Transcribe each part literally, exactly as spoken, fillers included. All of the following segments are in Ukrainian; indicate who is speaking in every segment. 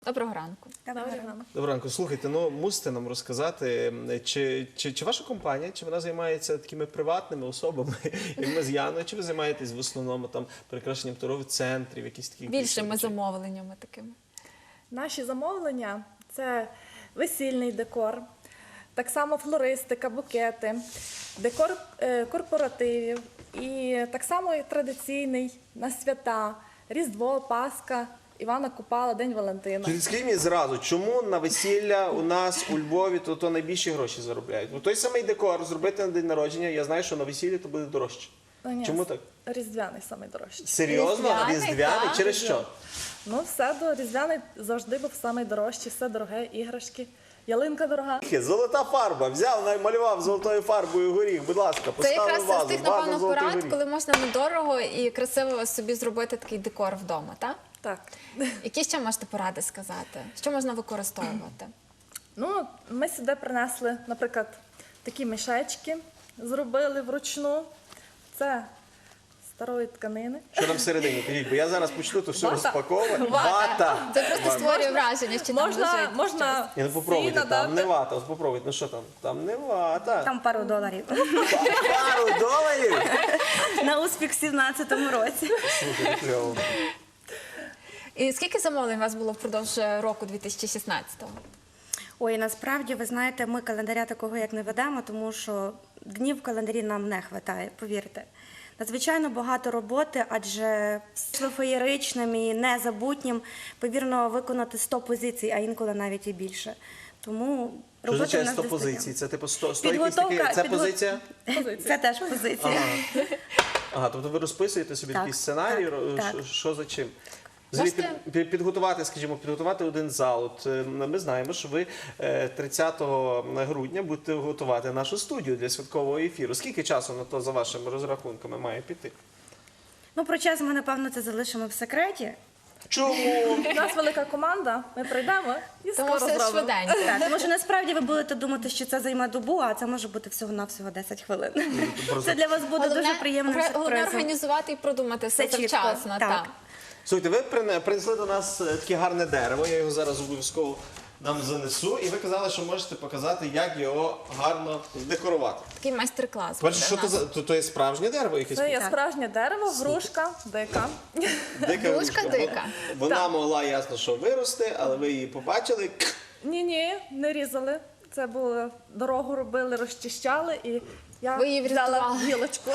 Speaker 1: Доброго ранку.
Speaker 2: Доброго ранку.
Speaker 3: Доброго ранку. Слухайте, ну мусите нам розказати, чи, чи, чи ваша компанія, чи вона займається такими приватними особами, як ми з Яною, чи ви займаєтесь в основному там прикрашенням торгових центрів, якісь такі
Speaker 1: Більшими замовленнями такими.
Speaker 2: Наші замовлення – це весільний декор, так само флористика, букети, декор е, корпоративів і так само і традиційний на свята, Різдво, Пасха, Івана Купала, День Валентина.
Speaker 3: Чи скажіть мені зразу, чому на весілля у нас у Львові то, то найбільші гроші заробляють? Ну той самий декор зробити на день народження, я знаю, що на весіллі то буде дорожче.
Speaker 2: Ну, ні,
Speaker 3: Чому так?
Speaker 2: Різдвяний самий дорожчий.
Speaker 3: Серйозно?
Speaker 1: Різдвяний,
Speaker 3: Різдвяний?
Speaker 1: так.
Speaker 3: Через що?
Speaker 2: Ну все, до Різдвяний завжди був самий дорожчий, все дороге, іграшки, ялинка дорога.
Speaker 3: Золота фарба. Взяв, намалював золотою фарбою горіх. Будь ласка,
Speaker 1: Це
Speaker 3: поставив
Speaker 1: якраз
Speaker 3: вазу.
Speaker 1: з тих,
Speaker 3: ваза
Speaker 1: напевно,
Speaker 3: золотий
Speaker 1: порад,
Speaker 3: горіх.
Speaker 1: коли можна недорого і красиво собі зробити такий декор вдома, так?
Speaker 2: Так.
Speaker 1: Які ще можете поради сказати? Що можна використовувати?
Speaker 2: Ну, ми сюди принесли, наприклад, такі мішечки, зробили вручну. Це старої тканини.
Speaker 3: Що там всередині? Кажіть, бо я зараз почну то все
Speaker 2: Вата.
Speaker 3: розпаковувати. Вата!
Speaker 1: Це просто створює враження, що там
Speaker 2: Можна,
Speaker 1: лежить.
Speaker 2: можна
Speaker 3: Я не попробуйте,
Speaker 2: всі
Speaker 3: там не
Speaker 2: надати.
Speaker 3: вата. Ось попробуйте. Ну що там? Там не вата.
Speaker 4: Там пару доларів.
Speaker 3: Пару доларів?
Speaker 4: На успіх в сімнадцятому році.
Speaker 3: Слухайте, кльово.
Speaker 1: І скільки замовлень у вас було впродовж року дві тисячі шістнадцятого?
Speaker 4: Ой, насправді, ви знаєте, ми календаря такого як не ведемо, тому що днів в календарі нам не вистачає, повірте. Надзвичайно багато роботи, адже феєричним і незабутнім, повірно, виконати сто позицій, а інколи навіть і більше. Тому
Speaker 3: Що
Speaker 4: роботи в
Speaker 3: означає
Speaker 4: нас
Speaker 3: сто
Speaker 4: достатньо.
Speaker 3: позицій? Це типу сто, сто якісь
Speaker 4: Підготовка-
Speaker 3: такі... Це
Speaker 4: підго-
Speaker 3: позиція?
Speaker 4: Це теж позиція.
Speaker 3: Ага. Ага, тобто ви розписуєте собі
Speaker 4: Так,
Speaker 3: такий сценарій,
Speaker 4: так,
Speaker 3: ро-
Speaker 4: так.
Speaker 3: що- що за чим? Взагалі,
Speaker 1: Можете-
Speaker 3: під- під- підготувати, скажімо, підготувати один зал. От, е, ми знаємо, що ви е, тридцятого грудня будете готувати нашу студію для святкового ефіру. Скільки часу на то, за вашими розрахунками, має піти?
Speaker 4: Ну, про час ми, напевно, це залишимо в секреті.
Speaker 3: Чому?
Speaker 2: У нас велика команда, ми прийдемо і
Speaker 1: Тому
Speaker 2: скоро
Speaker 1: все
Speaker 2: зробимо.
Speaker 1: швиденько.
Speaker 4: Так, тому що насправді ви будете думати, що це займе добу, а це може бути всього-навсього десять хвилин. Це для вас буде дуже приємним
Speaker 1: головне
Speaker 4: сюрпризом.
Speaker 1: організувати і продумати все
Speaker 4: Все чітко,
Speaker 1: завчасно.
Speaker 4: так.
Speaker 1: Так.
Speaker 3: Слухайте, ви прине- принесли до нас е, таке гарне дерево, я його зараз обов'язково нам занесу, і ви казали, що можете показати, як його гарно здекорувати.
Speaker 1: Такий майстер-клас.
Speaker 3: Перше,
Speaker 1: буде
Speaker 3: що
Speaker 1: в
Speaker 3: то
Speaker 1: нас.
Speaker 3: за то, то є справжнє дерево якесь?
Speaker 2: Це є
Speaker 4: Так.
Speaker 2: справжнє дерево, грушка, дика.
Speaker 3: Дика
Speaker 1: Грушка
Speaker 3: грушка.
Speaker 1: дика.
Speaker 3: Вона могла ясно, що вирости, але ви її побачили.
Speaker 2: Ні-ні, не різали. Це було, дорогу робили, розчищали, і я
Speaker 1: Ви її
Speaker 2: взяла
Speaker 1: врятували.
Speaker 2: гілочку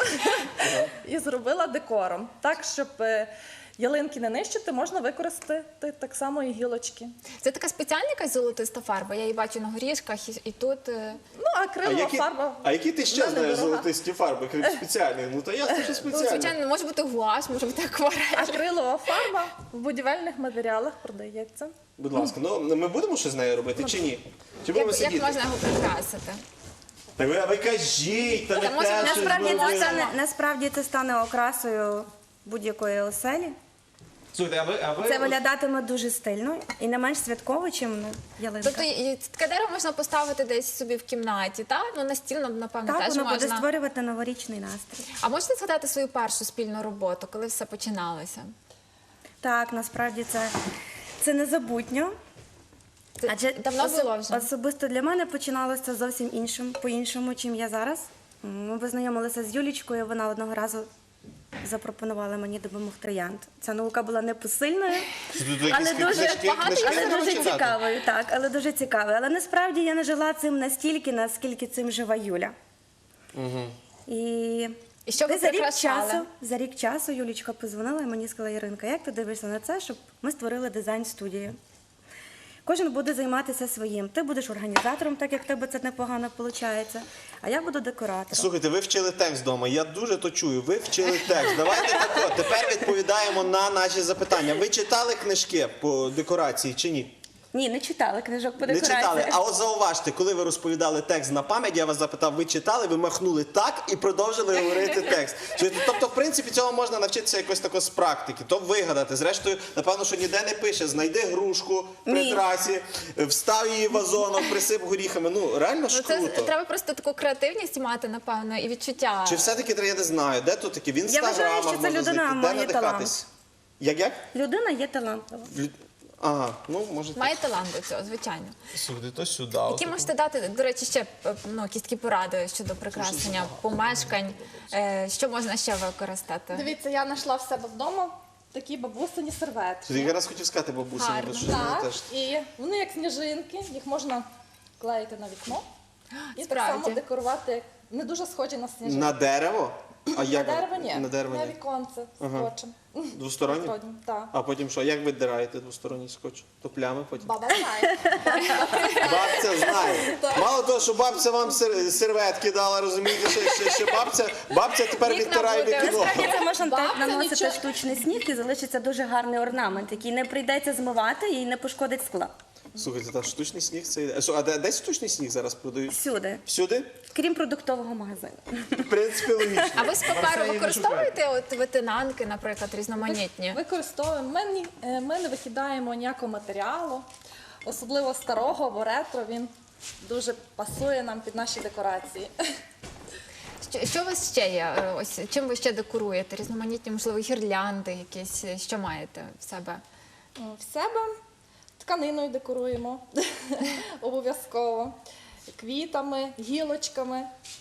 Speaker 2: і зробила декором. Так, щоб е, ялинки не нищити, можна використати так само і гілочки.
Speaker 1: Це така спеціальна якась золотиста фарба. Я її бачу на горішках і, і тут. е,
Speaker 2: Ну, акрилова
Speaker 3: А які,
Speaker 2: фарба.
Speaker 3: а які ти ще
Speaker 2: вона
Speaker 3: знаєш
Speaker 2: недорога.
Speaker 3: золотисті фарби, крім спеціальних? Ну, та ясно, що
Speaker 1: Ну,
Speaker 3: спеціальні.
Speaker 1: звичайно, може бути гуаш, може бути акварель.
Speaker 2: Акрилова фарба в будівельних матеріалах продається.
Speaker 3: Будь ласка, ну ми будемо щось з нею робити чи ні? Чи будемо
Speaker 1: Як, як
Speaker 3: сидіти?
Speaker 1: можна його прикрасити?
Speaker 3: Так ви, а ви кажіть, та не
Speaker 1: Та може,
Speaker 3: те, щось
Speaker 4: Насправді
Speaker 3: зробили.
Speaker 4: це стане, насправді це стане окрасою будь-якої оселі.
Speaker 3: Слухайте, а ви, а ви...
Speaker 4: Це виглядатиме дуже стильно і не менш святково, чим ялинка.
Speaker 1: Тобто і- і таке дерево можна поставити десь собі в кімнаті, так? Ну, на стіл, напевно,
Speaker 4: Так,
Speaker 1: теж
Speaker 4: воно буде
Speaker 1: можна.
Speaker 4: створювати новорічний настрій.
Speaker 1: А можете згадати свою першу спільну роботу, коли все починалося?
Speaker 4: Так, насправді це, це незабутньо.
Speaker 1: Це давно
Speaker 4: осо-
Speaker 1: було вже?
Speaker 4: Особисто для мене починалося зовсім іншим, по-іншому, чим я зараз. Ми познайомилися з Юлічкою, вона одного разу запропонувала мені допомогти троянд. Ця наука була непосильною,
Speaker 3: Тут
Speaker 4: але
Speaker 3: якісь
Speaker 4: дуже,
Speaker 3: книжки,
Speaker 1: багато
Speaker 3: книжки
Speaker 4: але
Speaker 3: треба
Speaker 4: дуже
Speaker 3: читати.
Speaker 4: цікавою. Так, але дуже цікавою. Але насправді я не жила цим настільки, наскільки цим жива Юля. І,
Speaker 1: І що ви
Speaker 4: десь за рік
Speaker 1: прикрашали?
Speaker 4: часу, за рік часу Юлічка позвонила і мені сказала: Іринка, як ти дивишся на це, щоб ми створили дизайн-студію? Кожен буде займатися своїм. Ти будеш організатором, так як в тебе це непогано виходить, а я буду декоратором.
Speaker 3: Слухайте, ви вчили текст вдома, я дуже то чую, ви вчили текст. Давайте так от, тепер відповідаємо на наші запитання. Ви читали книжки по декорації чи ні?
Speaker 4: Ні, не читали книжок по
Speaker 3: Не
Speaker 4: декорації.
Speaker 3: читали. А от зауважте, коли ви розповідали текст на пам'ять, я вас запитав, ви читали, ви махнули так і продовжили говорити текст. Чуєте? Тобто, в принципі, цього можна навчитися якось тако з практики, то вигадати. Зрештою, напевно, що ніде не пише, знайди грушку при
Speaker 4: Ні.
Speaker 3: трасі, встав її вазоном, присип горіхами. Ну, реально ж
Speaker 1: Ну, це
Speaker 3: круто.
Speaker 1: треба просто таку креативність мати, напевно, і відчуття.
Speaker 3: Чи все-таки, я не знаю, де тут такі, в інстаграмах
Speaker 4: вважаю, що це
Speaker 3: можна
Speaker 4: людина
Speaker 3: знайти, де
Speaker 4: має
Speaker 3: надихатись? Як, як?
Speaker 4: Людина є талантлива.
Speaker 3: Лю- Ага, ну може.
Speaker 1: Має талант до цього, звичайно.
Speaker 3: Сюди, то сюди.
Speaker 1: Які можете дати, до речі, ще е, ну, якісь такі поради щодо прикрашення помешкань? Е, Що можна ще використати?
Speaker 2: Дивіться, я знайшла в себе вдома такі бабусині серветки.
Speaker 3: Я якраз хотів сказати бабусі,
Speaker 1: Гарно.
Speaker 3: бо що вони
Speaker 2: Так,
Speaker 3: теж.
Speaker 2: і вони як сніжинки, їх можна клеїти на вікно і так
Speaker 1: Справді.
Speaker 2: само декорувати, як не дуже схожі на сніжинки.
Speaker 3: На дерево? А
Speaker 2: На
Speaker 3: як?
Speaker 2: дерево ні,
Speaker 3: На дерево
Speaker 2: на
Speaker 3: ні.
Speaker 2: віконце
Speaker 3: Ага.
Speaker 2: скотчем.
Speaker 3: Двосторонні?
Speaker 2: Двосторонні, так.
Speaker 3: А потім що? Як ви дираєте двосторонній скотч? То плями потім?
Speaker 2: Баба знає.
Speaker 3: Бабця знає. Мало того, що бабця вам сер- серветки дала, розумієте, ще, ще, ще бабця, бабця тепер
Speaker 1: Вікна
Speaker 3: відтирає
Speaker 1: буде.
Speaker 3: вікно.
Speaker 4: Насправді це можна так
Speaker 2: Бабця
Speaker 4: наносити
Speaker 2: нічого-
Speaker 4: штучний сніг і залишиться дуже гарний орнамент, який не прийдеться змивати і не пошкодить скла.
Speaker 3: Слухайте, та штучний сніг це йде. А де, де штучний сніг зараз продають?
Speaker 4: Всюди,
Speaker 3: Всюди?
Speaker 4: крім продуктового магазину.
Speaker 3: В принципі, логічно.
Speaker 1: А ви з паперу
Speaker 3: Марселі не
Speaker 1: використовуєте от витинанки, наприклад, різноманітні?
Speaker 2: Використовуємо. Ми, ні- е, ми не викидаємо ніякого матеріалу, особливо старого або ретро. Він дуже пасує нам під наші декорації.
Speaker 1: Що, що у вас ще є? Е, Ось чим ви ще декоруєте? Різноманітні, можливо, гірлянди якісь, що маєте в себе?
Speaker 2: В себе тканиною декоруємо обов'язково, квітами, гілочками.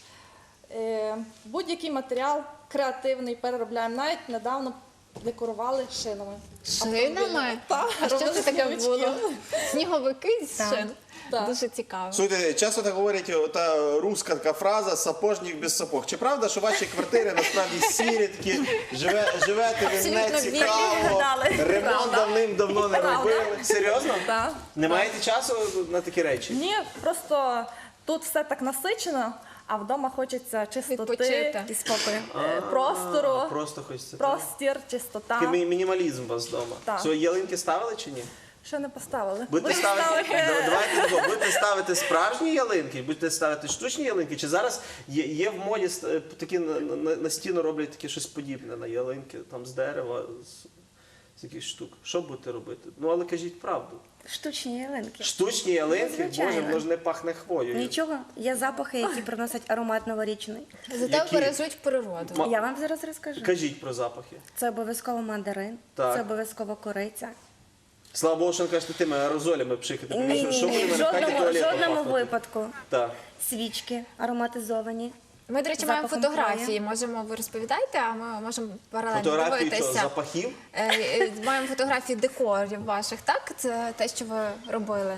Speaker 2: Е, Будь-який матеріал креативний переробляємо. Навіть недавно декорували шинами.
Speaker 1: Шинами?
Speaker 2: Так,
Speaker 1: А що
Speaker 2: робили
Speaker 1: це таке
Speaker 2: сніговички.
Speaker 1: було? Сніговики з
Speaker 4: Так.
Speaker 1: шин?
Speaker 2: Так.
Speaker 1: Дуже цікаво.
Speaker 3: Слухайте, часто так говорять, ота руська така фраза «сапожник без сапог». Чи правда, що ваші квартири насправді сірі, такі, живе, живете ви не
Speaker 1: Абсолютно
Speaker 3: цікаво,
Speaker 4: вірно.
Speaker 3: ремонт давним-давно не робили? Серйозно?
Speaker 2: Так.
Speaker 3: Не маєте часу на такі речі?
Speaker 2: Ні, просто тут все так насичено, а вдома хочеться чистоти,
Speaker 1: Відпочити.
Speaker 4: І спокою.
Speaker 2: е, простору,
Speaker 3: А, Просто хочеться.
Speaker 2: простір, чистота.
Speaker 3: Такий мі- мінімалізм у вас вдома.
Speaker 2: Так.
Speaker 3: Свої ялинки ставили чи ні?
Speaker 2: Ще не поставили.
Speaker 3: Будете
Speaker 2: Будемо
Speaker 3: ставити,
Speaker 2: ставити.
Speaker 3: Да, давайте тако, будете ставити справжні ялинки, будете ставити штучні ялинки, чи зараз є, є в моді ст- такі на, на, на стіну роблять таке щось подібне на ялинки, там з дерева, з, з якихось штук. Що будете робити? Ну але кажіть правду.
Speaker 4: Штучні ялинки.
Speaker 3: Штучні ялинки,
Speaker 4: Звичайно.
Speaker 3: боже, воно ж не пахне хвоєю.
Speaker 4: Нічого, є запахи, які приносять аромат новорічний.
Speaker 1: Зате
Speaker 3: Які?
Speaker 1: бережуть природу.
Speaker 3: Ма-
Speaker 4: Я вам зараз розкажу.
Speaker 3: Кажіть про запахи.
Speaker 4: Це обов'язково мандарин,
Speaker 3: Так.
Speaker 4: це обов'язково кориця.
Speaker 3: Слава Богу, що не кажете тими аерозолями пшикати. тому
Speaker 4: Ні,
Speaker 3: що-
Speaker 4: ні,
Speaker 3: що буде
Speaker 4: ні, в
Speaker 3: на хаті
Speaker 4: жодному,
Speaker 3: туалетом
Speaker 4: жодному
Speaker 3: пахнути?
Speaker 4: випадку.
Speaker 3: Так.
Speaker 4: Свічки ароматизовані.
Speaker 1: Ми, до речі,
Speaker 4: З
Speaker 1: маємо
Speaker 4: запахом
Speaker 1: фотографії. Можемо, ви розповідаєте, а ми можемо паралельно
Speaker 3: Фотографії що,
Speaker 1: дивитися.
Speaker 3: запахів?
Speaker 1: Е, е, Маємо фотографії декорів ваших, так? Це те, що ви робили.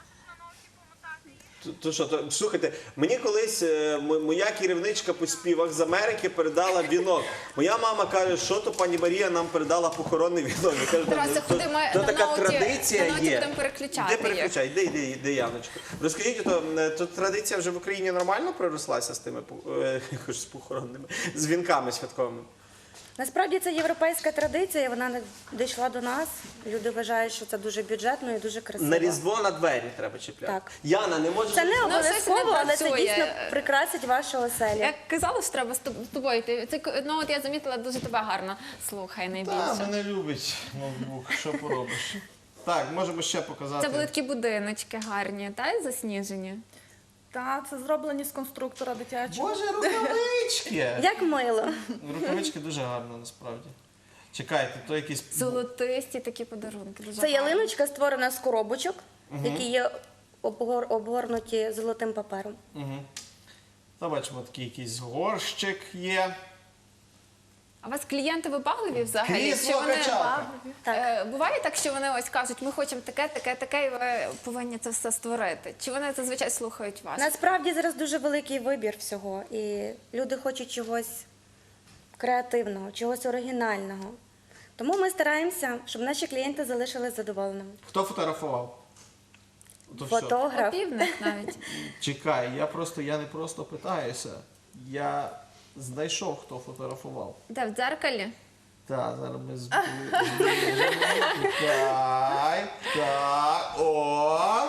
Speaker 3: То, то що, то, слухайте, мені колись е, м- моя керівничка по співах з Америки передала вінок. Моя мама каже, що то пані Марія нам передала похоронний вінок. Я кажу,
Speaker 1: Тарас,
Speaker 3: «То-
Speaker 1: ходи, ми
Speaker 3: то
Speaker 1: на
Speaker 3: така
Speaker 1: ноуті-
Speaker 3: традиція
Speaker 1: на ноуті
Speaker 3: є.
Speaker 1: будемо переключати
Speaker 3: Іди переключай, іди, іди, іди, Яночко. Розкажіть, то, е, то традиція вже в Україні нормально пророслася з тими пох- е, я кажу, з похоронними, з вінками святковими?
Speaker 4: Насправді це європейська традиція, вона не дійшла до нас. Люди вважають, що це дуже бюджетно і дуже красиво.
Speaker 3: На Різдво на двері треба чіпляти.
Speaker 4: Так.
Speaker 3: Яна, не може...
Speaker 4: Це не
Speaker 1: Ну, щось
Speaker 4: обов'язково,
Speaker 1: не
Speaker 4: але це
Speaker 1: працює.
Speaker 4: дійсно прикрасить вашу оселю.
Speaker 1: Як казали, що треба з тоб- з тобою йти. Це, к- ну, от я замітила, дуже тебе гарно слухай найбільше.
Speaker 3: мене любить ноутбук, що поробиш. Так, можемо ще показати.
Speaker 1: Це були такі будиночки гарні, та засніжені.
Speaker 2: Так, це зроблені з конструктора дитячого.
Speaker 3: Боже, рукавички!
Speaker 4: Як мило.
Speaker 3: Рукавички дуже гарно, насправді. Чекайте, то якісь...
Speaker 1: Золотисті такі подарунки. Дуже
Speaker 4: Це
Speaker 1: гарні.
Speaker 4: ялиночка створена з коробочок, які є обгор- обгорнуті золотим папером.
Speaker 3: Угу. Та бачимо, такий якийсь горщик є.
Speaker 1: А у вас клієнти вибагливі взагалі?
Speaker 3: Крісло
Speaker 1: Чи вони-
Speaker 3: качалка.
Speaker 4: Так.
Speaker 1: Е, Буває так, що вони ось кажуть, ми хочемо таке, таке, таке, і ви повинні це все створити. Чи вони зазвичай слухають вас?
Speaker 4: Насправді зараз дуже великий вибір всього, і люди хочуть чогось креативного, чогось оригінального. Тому ми стараємося, щоб наші клієнти залишились задоволеними.
Speaker 3: Хто фотографував? То що?
Speaker 4: Фотограф.
Speaker 1: Опівник навіть.
Speaker 3: Чекай, я просто, я не просто питаюся. Я знайшов, хто фотографував.
Speaker 1: Де, в дзеркалі?
Speaker 3: Так, зараз ми збережемо. Чекай. Так, о.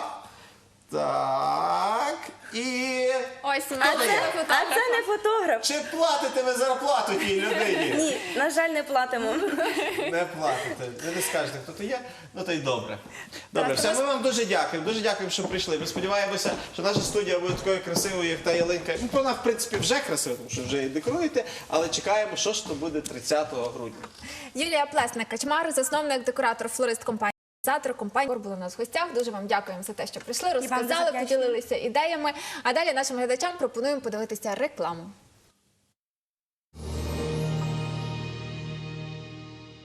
Speaker 3: Так. І...
Speaker 1: Ось,
Speaker 3: Хто
Speaker 1: мене
Speaker 3: це?
Speaker 4: А
Speaker 1: фотограф.
Speaker 4: це не фотограф.
Speaker 3: Чи платите ви зарплату тій людині?
Speaker 4: Ні, на жаль, не платимо.
Speaker 3: Не платите. Ви не скажете, хто то є, ну то й добре. Добре, все, ми вам дуже дякуємо. Дуже дякуємо, що прийшли. Ми сподіваємося, що наша студія буде такою красивою, як та ялинка. Ну, вона, в принципі, вже красива, тому що вже її декоруєте, але чекаємо, що ж то буде тридцятого грудня.
Speaker 1: Юлія Плесник, качмар, засновник, декоратор, флорист компанії. Організатор компанії «Декор» були у нас в гостях. Дуже вам дякуємо за те, що прийшли,
Speaker 4: вам дуже
Speaker 1: розказали,
Speaker 4: вдячна.
Speaker 1: поділилися ідеями. А далі нашим глядачам пропонуємо подивитися рекламу.